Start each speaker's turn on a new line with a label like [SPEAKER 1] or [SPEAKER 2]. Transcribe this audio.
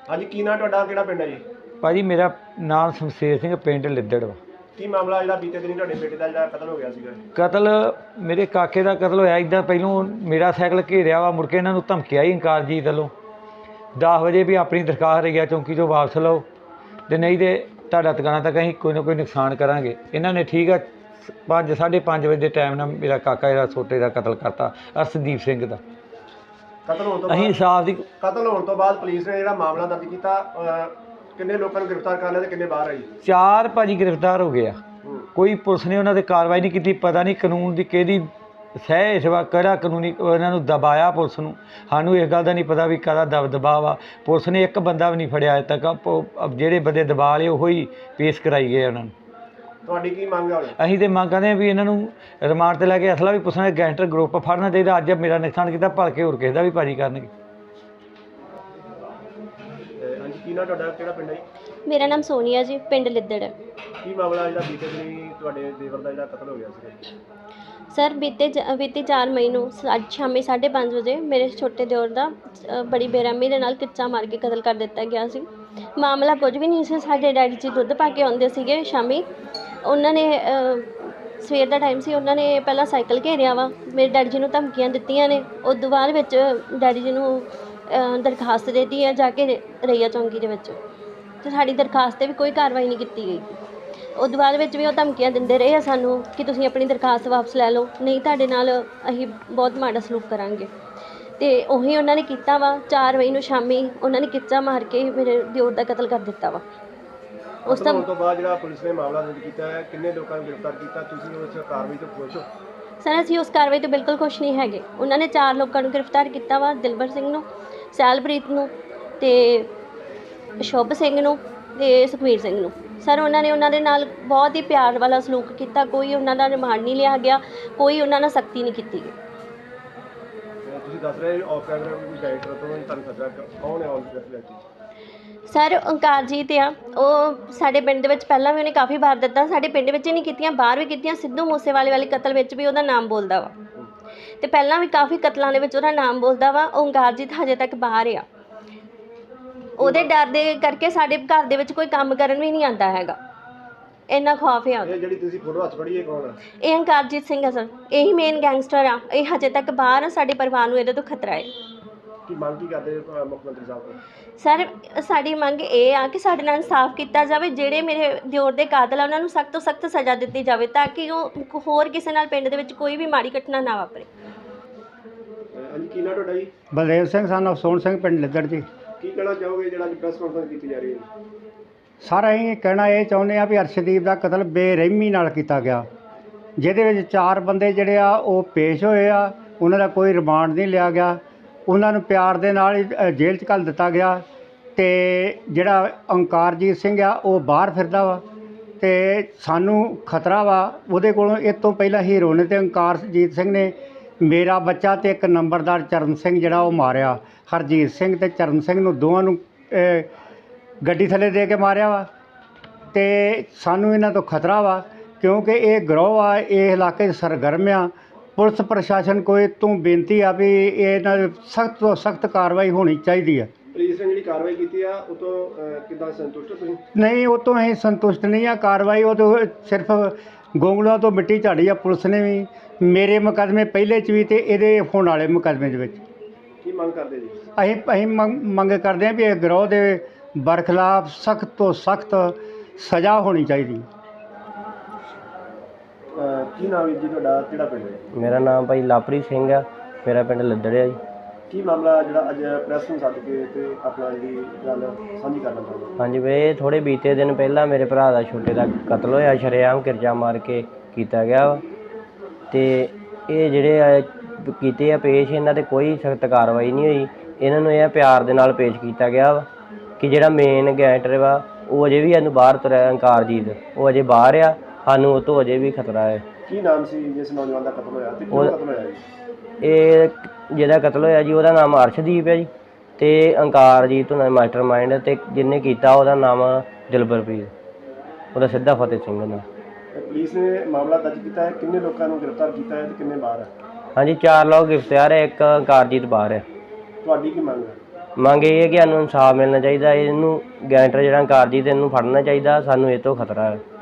[SPEAKER 1] ਹਾਂਜੀ ਕੀ ਨਾਂ ਤੁਹਾਡਾ, ਕਿਹੜਾ ਪਿੰਡ ਹੈ ਜੀ?
[SPEAKER 2] ਭਾਜੀ ਮੇਰਾ ਨਾਮ ਸ਼ਮਸ਼ੇਰ ਸਿੰਘ, ਪਿੰਡ ਲਿੱਦੜ ਵਾ।
[SPEAKER 1] ਕੀ ਮਾਮਲਾ ਜਿਹੜਾ ਬੀਤੇ ਦਿਨੀ ਤੁਹਾਡੇ ਬੇਟੇ ਦਾ ਜਿਹੜਾ ਕਤਲ ਹੋ ਗਿਆ ਸੀਗਾ?
[SPEAKER 2] ਕਤਲ ਮੇਰੇ ਕਾਕੇ ਦਾ ਕਤਲ ਹੋਇਆ। ਇੱਦਾਂ ਪਹਿਲੋਂ ਮੇਰਾ ਸਾਈਕਲ ਘੇਰਿਆ ਵਾ, ਮੁੜ ਕੇ ਇਹਨਾਂ ਨੂੰ ਧਮਕੀ ਆਈ ਇੰਕਾਰਜੀਤ ਵੱਲੋਂ 10 ਵਜੇ ਵੀ ਆਪਣੀ ਦਰਖਾਸਤ ਰਈਆ ਚੌਂਕੀ ਤੋਂ ਵਾਪਸ ਲਓ, ਤੇ ਨਹੀਂ ਤੇ ਤੁਹਾਡਾ ਟਿਕਾਣਾ ਤੱਕ ਅਸੀਂ ਕੋਈ ਨਾ ਕੋਈ ਨੁਕਸਾਨ ਕਰਾਂਗੇ। ਇਹਨਾਂ ਨੇ ਠੀਕ ਆ 5:30 ਵਜੇ ਦੇ ਟਾਈਮ ਨਾਲ ਮੇਰਾ ਕਾਕਾ ਜਿਹੜਾ ਛੋਟੇ ਦਾ ਕਤਲ ਕਰਤਾ, ਅਰਸ਼ਦੀਪ ਸਿੰਘ ਦਾ।
[SPEAKER 1] ਕਤਲ ਹੋਣ ਤੋਂ
[SPEAKER 2] ਅਸੀਂ ਇਨਸਾਫ ਦੀ
[SPEAKER 1] ਕਤਲ ਹੋਣ ਤੋਂ ਬਾਅਦ ਪੁਲਿਸ ਨੇ ਜਿਹੜਾ ਮਾਮਲਾ ਦਰਜ ਕੀਤਾ, ਕਿੰਨੇ ਲੋਕਾਂ ਨੂੰ ਗ੍ਰਿਫਤਾਰ ਕਰ ਲਿਆ ਤੇ ਕਿੰਨੇ ਬਾਹਰ ਆ ਜੀ?
[SPEAKER 2] 4 ਭਾਜੀ ਗ੍ਰਿਫਤਾਰ ਹੋ ਗਏ ਆ। ਕੋਈ ਪੁਲਿਸ ਨੇ ਉਹਨਾਂ 'ਤੇ ਕਾਰਵਾਈ ਨਹੀਂ ਕੀਤੀ। ਪਤਾ ਨਹੀਂ ਕਾਨੂੰਨ ਦੀ ਕਿਹਦੀ ਸਹਿ ਵਾ, ਕਿਹੜਾ ਕਾਨੂੰਨੀ ਇਹਨਾਂ ਨੂੰ ਦਬਾਇਆ ਪੁਲਿਸ ਨੂੰ। ਸਾਨੂੰ ਇਸ ਗੱਲ ਦਾ ਨਹੀਂ ਪਤਾ ਵੀ ਕਾਹਦਾ ਦਬਾਅ ਵਾ। ਪੁਲਿਸ ਨੇ ਇੱਕ ਬੰਦਾ ਵੀ ਨਹੀਂ ਫੜਿਆ ਅਜੇ ਤੱਕ। ਜਿਹੜੇ ਬੰਦੇ ਦਬਾ ਲਏ ਉਹੋ ਹੀ ਪੇਸ਼ ਕਰਾਈ ਗਏ ਉਹਨਾਂ ਨੂੰ।
[SPEAKER 1] ਤੁਹਾਡੀ ਕੀ ਮੰਗ ਹੈ?
[SPEAKER 2] ਅਸੀਂ ਤਾਂ ਮੰਗ ਕਰਦੇ ਹਾਂ ਵੀ ਇਹਨਾਂ ਨੂੰ ਰਿਮਾਂਡ 'ਤੇ ਲੈ ਕੇ ਅਸਲਾ ਵੀ ਪੁੱਛਣਾ, ਗੈਂਗਸਟਰ ਗਰੁੱਪ ਫੜਨਾ ਚਾਹੀਦਾ। ਅੱਜ ਮੇਰਾ ਨੁਕਸਾਨ ਕੀਤਾ, ਭਲਕੇ ਹੋਰ ਕਿਸੇ ਦਾ ਵੀ ਭਾਜੀ ਕਰਨਗੇ।
[SPEAKER 1] ਹਾਂਜੀ ਕੀ ਨਾਂ ਤੁਹਾਡਾ, ਕਿਹੜਾ ਪਿੰਡ ਹੈ ਜੀ?
[SPEAKER 3] ਮੇਰਾ ਨਾਮ ਸੋਨੀਆ ਜੀ, ਪਿੰਡ ਲਿੱਦੜ।
[SPEAKER 1] ਕੀ ਮਾਮਲਾ ਜਿਹੜਾ ਬੀਤੇ ਦਿਨੀ ਤੁਹਾਡੇ ਦੇਵਰ ਦਾ ਜਿਹੜਾ ਕਤਲ ਹੋ ਗਿਆ ਸੀ?
[SPEAKER 3] ਸਰ ਬੀਤੀ 4 ਮਈ ਨੂੰ ਸ਼ਾਮੀ 5:30 ਵਜੇ ਮੇਰੇ ਛੋਟੇ ਦਿਓਰ ਦਾ ਬੜੀ ਬੇਰਹਿਮੀ ਦੇ ਨਾਲ ਕਿੱਚਾ ਮਾਰ ਕੇ ਕਤਲ ਕਰ ਦਿੱਤਾ ਗਿਆ ਸੀ। ਮਾਮਲਾ ਕੁਝ ਵੀ ਨਹੀਂ ਸੀ। ਸਾਡੇ ਡੈਡੀ ਜੀ ਦੁੱਧ ਪਾ ਕੇ ਆਉਂਦੇ ਸੀਗੇ ਸ਼ਾਮੀ। ਉਹਨਾਂ ਨੇ ਸਵੇਰ ਦਾ ਟਾਈਮ ਸੀ, ਉਹਨਾਂ ਨੇ ਪਹਿਲਾਂ ਸਾਈਕਲ ਘੇਰਿਆ ਵਾ, ਮੇਰੇ ਡੈਡੀ ਜੀ ਨੂੰ ਧਮਕੀਆਂ ਦਿੱਤੀਆਂ ਨੇ। ਉਸ ਤੋਂ ਬਾਅਦ ਵਿੱਚ ਡੈਡੀ ਜੀ ਨੂੰ ਦਰਖਾਸਤ ਦੇ ਦਿੱਤੀ ਹੈ ਜਾ ਕੇ ਰਈਆ ਚੌਂਕੀ ਦੇ ਵਿੱਚ, ਅਤੇ ਸਾਡੀ ਦਰਖਾਸਤ 'ਤੇ ਵੀ ਕੋਈ ਕਾਰਵਾਈ ਨਹੀਂ ਕੀਤੀ ਗਈ। ਉਸ ਤੋਂ ਬਾਅਦ ਵਿੱਚ ਵੀ ਉਹ ਧਮਕੀਆਂ ਦਿੰਦੇ ਰਹੇ ਆ ਸਾਨੂੰ ਕਿ ਤੁਸੀਂ ਆਪਣੀ ਦਰਖਾਸਤ ਵਾਪਸ ਲੈ ਲਓ, ਨਹੀਂ ਤੁਹਾਡੇ ਨਾਲ ਅਸੀਂ ਬਹੁਤ ਮਾੜਾ ਸਲੂਕ ਕਰਾਂਗੇ। ਅਤੇ ਉਹੀ ਉਹਨਾਂ ਨੇ ਕੀਤਾ ਵਾ। 4 ਮਈ ਨੂੰ ਸ਼ਾਮੀ ਉਹਨਾਂ ਨੇ ਕਿੱਚਾ ਮਾਰ ਕੇ ਮੇਰੇ ਦਿਓਰ ਦਾ ਕਤਲ ਕਰ ਦਿੱਤਾ ਵਾ। ਉਸ ਤੋਂ
[SPEAKER 1] ਬਾਅਦ ਜਿਹੜਾ ਪੁਲਿਸ ਨੇ ਮਾਮਲਾ ਦਰਜ ਕੀਤਾ ਹੈ, ਕਿੰਨੇ ਲੋਕਾਂ ਨੂੰ ਗ੍ਰਿਫਤਾਰ ਕੀਤਾ? ਤੁਸੀਂ ਉਸ ਕਾਰਵਾਈ ਤੋਂ ਖੁਸ਼ ਹੋ?
[SPEAKER 3] ਸਰ ਅਸੀਂ ਉਸ ਕਾਰਵਾਈ ਤੋਂ ਬਿਲਕੁਲ ਖੁਸ਼ ਨਹੀਂ ਹੈਗੇ। ਉਹਨਾਂ ਨੇ 4 ਲੋਕਾਂ ਨੂੰ ਗ੍ਰਿਫਤਾਰ ਕੀਤਾ ਵਾ, ਦਿਲਬਰ ਸਿੰਘ ਨੂੰ, ਸੈਲਪ੍ਰੀਤ ਨੂੰ, ਅਤੇ ਸ਼ੁਭ ਸਿੰਘ ਨੂੰ, ਅਤੇ ਸੁਖਵੀਰ ਸਿੰਘ ਨੂੰ। ਸਰ ਉਹਨਾਂ ਦੇ ਨਾਲ ਬਹੁਤ ਹੀ ਪਿਆਰ ਵਾਲਾ ਸਲੂਕ ਕੀਤਾ। ਕੋਈ ਉਹਨਾਂ ਦਾ ਰਿਮਾਂਡ ਨਹੀਂ ਲਿਆ ਗਿਆ, ਕੋਈ ਉਹਨਾਂ ਨਾਲ ਸਖਤੀ ਨਹੀਂ ਕੀਤੀ ਗਈ।
[SPEAKER 1] ਤੁਸੀਂ ਦੱਸ ਰਹੇ ਆਫ ਕੈਮਰਾ ਕੋਈ ਡਾਇਰੈਕਟਰ ਤੋਂ ਤੁਹਾਨੂੰ ਖਤਰਾ ਕੌਣ ਹੈ?
[SPEAKER 3] ਸਰ ਓਂਕਾਰਜੀਤ ਆ, ਉਹ ਸਾਡੇ ਪਿੰਡ ਦੇ ਵਿੱਚ ਪਹਿਲਾਂ ਵੀ ਉਹਨੇ ਕਾਫੀ ਵਾਰਦਾਤਾਂ ਸਾਡੇ ਪਿੰਡ ਵਿੱਚ ਹੀ ਨਹੀਂ ਕੀਤੀਆਂ, ਬਾਹਰ ਵੀ ਕੀਤੀਆਂ। ਸਿੱਧੂ ਮੂਸੇਵਾਲੇ ਵਾਲੇ ਕਤਲ ਵਿੱਚ ਵੀ ਉਹਦਾ ਨਾਮ ਬੋਲਦਾ ਵਾ, ਅਤੇ ਪਹਿਲਾਂ ਵੀ ਕਾਫੀ ਕਤਲਾਂ ਦੇ ਵਿੱਚ ਉਹਦਾ ਨਾਮ ਬੋਲਦਾ ਵਾ। ਓਂਕਾਰਜੀਤ ਹਜੇ ਤੱਕ ਬਾਹਰ ਆ। ਉਹਦੇ ਡਰ ਦੇ ਕਰਕੇ ਸਾਡੇ ਘਰ ਦੇ ਵਿੱਚ ਕੋਈ ਕੰਮ ਕਰਨ ਵੀ ਨਹੀਂ ਆਉਂਦਾ ਹੈਗਾ, ਇੰਨਾ ਖੌਫ ਆ।
[SPEAKER 1] ਜਿਹੜੀ ਤੁਸੀਂ ਫੋਟੋ ਹੱਥ ਫੜੀ ਹੈ ਕੌਣ ਹੈ?
[SPEAKER 3] ਇਹ ਓਂਕਾਰਜੀਤ ਸਿੰਘ ਆ ਸਰ, ਇਹੀ ਮੇਨ ਗੈਂਗਸਟਰ ਆ। ਇਹ ਹਜੇ ਤੱਕ ਬਾਹਰ ਆ। ਸਾਡੇ ਪਰਿਵਾਰ ਨੂੰ ਇਹਦੇ ਤੋਂ ਖਤਰਾ ਹੈ।
[SPEAKER 1] ਕੀ ਮੰਗ ਕੀ ਕਰਦੇ ਮੁੱਖ ਮੰਤਰੀ ਸਾਹਿਬ ਤੋਂ?
[SPEAKER 3] ਸਰ ਸਾਡੀ ਮੰਗ ਇਹ ਆ ਕਿ ਸਾਡੇ ਨਾਲ ਇਨਸਾਫ ਕੀਤਾ ਜਾਵੇ। ਜਿਹੜੇ ਮੇਰੇ ਦਿਓਰ ਦੇ ਕਾਤਲ ਆ ਉਹਨਾਂ ਨੂੰ ਸਖਤ ਤੋਂ ਸਖਤ ਸਜ਼ਾ ਦਿੱਤੀ ਜਾਵੇ, ਤਾਂ ਕਿ ਉਹ ਹੋਰ ਕਿਸੇ ਨਾਲ ਪਿੰਡ ਦੇ ਵਿੱਚ ਕੋਈ ਵੀ ਮਾੜੀ ਘਟਨਾ ਨਾ ਵਾਪਰੇ।
[SPEAKER 1] ਹਾਂਜੀ ਕੀ ਨਾਂ ਤੁਹਾਡਾ ਜੀ?
[SPEAKER 4] ਬਲਦੇਵ ਸਿੰਘ ਸਾਨੂੰ ਸੋਹਣ ਸਿੰਘ, ਪਿੰਡ ਲਿੱਦੜ ਜੀ।
[SPEAKER 1] ਕੀ ਕਹਿਣਾ ਚਾਹੋਗੇ ਜਿਹੜਾ ਅੱਜ ਪ੍ਰੈਸ ਕਾਨਫਰੰਸ ਕੀਤੀ ਜਾ ਰਹੀ ਹੈ?
[SPEAKER 4] ਸਾਰਾ ਅਸੀਂ ਕਹਿਣਾ ਇਹ ਚਾਹੁੰਦੇ ਆ ਵੀ ਅਰਸ਼ਦੀਪ ਦਾ ਕਤਲ ਬੇਰਹਿਮੀ ਨਾਲ ਕੀਤਾ ਗਿਆ, ਜਿਹਦੇ ਵਿੱਚ 4 ਬੰਦੇ ਜਿਹੜੇ ਆ ਉਹ ਪੇਸ਼ ਹੋਏ ਆ। ਉਹਨਾਂ ਦਾ ਕੋਈ ਰਿਮਾਂਡ ਨਹੀਂ ਲਿਆ ਗਿਆ, ਉਹਨਾਂ ਨੂੰ ਪਿਆਰ ਦੇ ਨਾਲ ਹੀ ਜੇਲ੍ਹ 'ਚ ਘੱਲ ਦਿੱਤਾ ਗਿਆ। ਅਤੇ ਜਿਹੜਾ ਓਂਕਾਰਜੀਤ ਸਿੰਘ ਆ ਉਹ ਬਾਹਰ ਫਿਰਦਾ ਵਾ, ਅਤੇ ਸਾਨੂੰ ਖਤਰਾ ਵਾ ਉਹਦੇ ਕੋਲੋਂ। ਇਹ ਤੋਂ ਪਹਿਲਾਂ ਹੀਰੋ ਨੇ ਅਤੇ ਓਂਕਾਰਜੀਤ ਸਿੰਘ ਨੇ ਮੇਰਾ ਬੱਚਾ ਅਤੇ ਇੱਕ ਨੰਬਰਦਾਰ ਚਰਨ ਸਿੰਘ ਜਿਹੜਾ ਉਹ ਮਾਰਿਆ। ਹਰਜੀਤ ਸਿੰਘ ਅਤੇ ਚਰਨ ਸਿੰਘ ਨੂੰ ਦੋਵਾਂ ਨੂੰ ਗੱਡੀ ਥੱਲੇ ਦੇ ਕੇ ਮਾਰਿਆ ਵਾ। ਅਤੇ ਸਾਨੂੰ ਇਹਨਾਂ ਤੋਂ ਖਤਰਾ ਵਾ, ਕਿਉਂਕਿ ਇਹ ਗਰੋਹ ਆ, ਇਹ ਇਲਾਕੇ 'ਚ ਸਰਗਰਮ ਆ। ਪੁਲਿਸ ਪ੍ਰਸ਼ਾਸਨ ਕੋਲ ਤੋਂ ਬੇਨਤੀ ਆ ਵੀ ਇਹਨਾਂ ਦੇ ਸਖਤ ਤੋਂ ਸਖਤ ਕਾਰਵਾਈ ਹੋਣੀ ਚਾਹੀਦੀ ਆ।
[SPEAKER 1] ਪੁਲਿਸ ਨੇ ਜਿਹੜੀ ਕਾਰਵਾਈ ਕੀਤੀ ਆ ਉਹ ਤੋਂ ਕਿੱਦਾਂ ਸੰਤੁਸ਼ਟ ਹੋ ਤੁਸੀਂ?
[SPEAKER 4] ਨਹੀਂ, ਉਹ ਤੋਂ ਅਸੀਂ ਸੰਤੁਸ਼ਟ ਨਹੀਂ ਆ। ਕਾਰਵਾਈ ਉਹ ਤੋਂ ਸਿਰਫ ਗੋਂਗਲੂਆਂ ਤੋਂ ਮਿੱਟੀ ਝਾੜੀ ਆ ਪੁਲਿਸ ਨੇ ਵੀ। ਮੇਰੇ ਮੁਕੱਦਮੇ ਪਹਿਲੇ 'ਚ ਵੀ ਅਤੇ ਇਹਦੇ ਹੋਣ ਵਾਲੇ ਮੁਕੱਦਮੇ ਦੇ ਵਿੱਚ।
[SPEAKER 1] ਕੀ ਮੰਗ ਕਰਦੇ ਜੀ?
[SPEAKER 4] ਅਸੀਂ ਮੰਗ ਕਰਦੇ ਹਾਂ ਵੀ ਇਹ ਗਰੋਹ ਦੇ ਬਰਖਲਾਫ ਸਖਤ ਤੋਂ ਸਖਤ ਸਜ਼ਾ ਹੋਣੀ ਚਾਹੀਦੀ।
[SPEAKER 1] ਕੀ ਨਾਮ ਹੈ ਜੀ ਤੁਹਾਡਾ, ਕਿਹੜਾ ਪਿੰਡ ਹੈ?
[SPEAKER 5] ਮੇਰਾ ਨਾਮ ਭਾਈ ਲਾਪਰੀ ਸਿੰਘ ਆ, ਮੇਰਾ ਪਿੰਡ ਲਿੱਦੜ ਆ ਜੀ।
[SPEAKER 1] ਕੀ ਮਾਮਲਾ ਜਿਹੜਾ ਅੱਜ ਪ੍ਰੈਸ ਨੂੰ ਸੱਦ ਕੇ ਤੇ ਆਪਣਾ ਜਿਹੜੀ ਗੱਲ ਸਾਂਝੀ ਕਰਨਾ ਚਾਹੁੰਦੇ?
[SPEAKER 5] ਹਾਂਜੀ ਵੇ ਥੋੜ੍ਹੇ ਬੀਤੇ ਦਿਨ ਪਹਿਲਾਂ ਮੇਰੇ ਭਰਾ ਦਾ ਛੋਟੇ ਦਾ ਕਤਲ ਹੋਇਆ, ਸ਼ਰੇਆਮ ਕਿਰਚਾ ਮਾਰ ਕੇ ਕੀਤਾ ਗਿਆ ਵਾ। ਅਤੇ ਇਹ ਜਿਹੜੇ ਕੀਤੇ ਆ ਪੇਸ਼, ਇਹਨਾਂ 'ਤੇ ਕੋਈ ਸਖਤ ਕਾਰਵਾਈ ਨਹੀਂ ਹੋਈ। ਇਹਨਾਂ ਨੂੰ ਇਹ ਪਿਆਰ ਦੇ ਨਾਲ ਪੇਸ਼ ਕੀਤਾ ਗਿਆ ਵਾ ਕਿ ਜਿਹੜਾ ਮੇਨ ਗੈਂਗਸਟਰ ਵਾ ਉਹ ਅਜੇ ਵੀ ਸਾਨੂੰ ਬਾਹਰ ਤੁਰਿਆ, ਓਂਕਾਰਜੀਤ, ਉਹ ਅਜੇ ਬਾਹਰ ਆ। ਸਾਨੂੰ ਉਹ ਤੋਂ ਅਜੇ ਵੀ ਖਤਰਾ ਹੈ।
[SPEAKER 1] ਕੀ ਨਾਮ ਸੀ ਜਿਸ ਨੌਜਵਾਨ ਦਾ ਕਤਲ ਹੋਇਆ ਤੇ ਕਿਉਂ ਕਤਲ ਹੋਇਆ ਜੀ?
[SPEAKER 5] ਇਹ ਜਿਹਦਾ ਕਤਲ ਹੋਇਆ ਜੀ ਉਹਦਾ ਨਾਮ ਅਰਸ਼ਦੀਪ ਹੈ ਜੀ, ਅਤੇ ਓਂਕਾਰਜੀਤ ਉਹਨਾਂ ਮਾਸਟਰ ਮਾਈਂਡ, ਅਤੇ ਜਿਹਨੇ ਕੀਤਾ ਉਹਦਾ ਨਾਮ ਦਿਲਬਰਪ੍ਰੀਤ, ਉਹਦਾ ਸਿੱਧਾ ਫਤਿਹ ਸਿੰਘ ਨਾਲ।
[SPEAKER 1] ਪੁਲਿਸ ਨੇ ਮਾਮਲਾ ਦਰਜ ਕੀਤਾ ਹੈ, ਕਿੰਨੇ ਲੋਕਾਂ ਨੂੰ ਗ੍ਰਿਫਤਾਰ ਕੀਤਾ ਹੈ ਤੇ ਕਿੰਨੇ ਬਾਹਰ ਹੈ?
[SPEAKER 5] ਹਾਂਜੀ 4 ਲੋਕ ਗ੍ਰਿਫਤਾਰ ਹੈ, ਇੱਕ ਓਂਕਾਰਜੀਤ ਬਾਹਰ ਹੈ।
[SPEAKER 1] ਤੁਹਾਡੀ ਕੀ ਮੰਗ ਹੈ?
[SPEAKER 5] ਮੰਗ ਇਹ ਹੈ ਕਿ ਸਾਨੂੰ ਇਨਸਾਫ ਮਿਲਣਾ ਚਾਹੀਦਾ। ਇਹਨੂੰ ਗੈਂਗਸਟਰ ਜਿਹੜਾ ਅੰਕਾਰਜੀਤ ਇਹਨੂੰ ਫੜਨਾ ਚਾਹੀਦਾ, ਸਾਨੂੰ ਇਹ ਤੋਂ ਖਤਰਾ ਹੈ।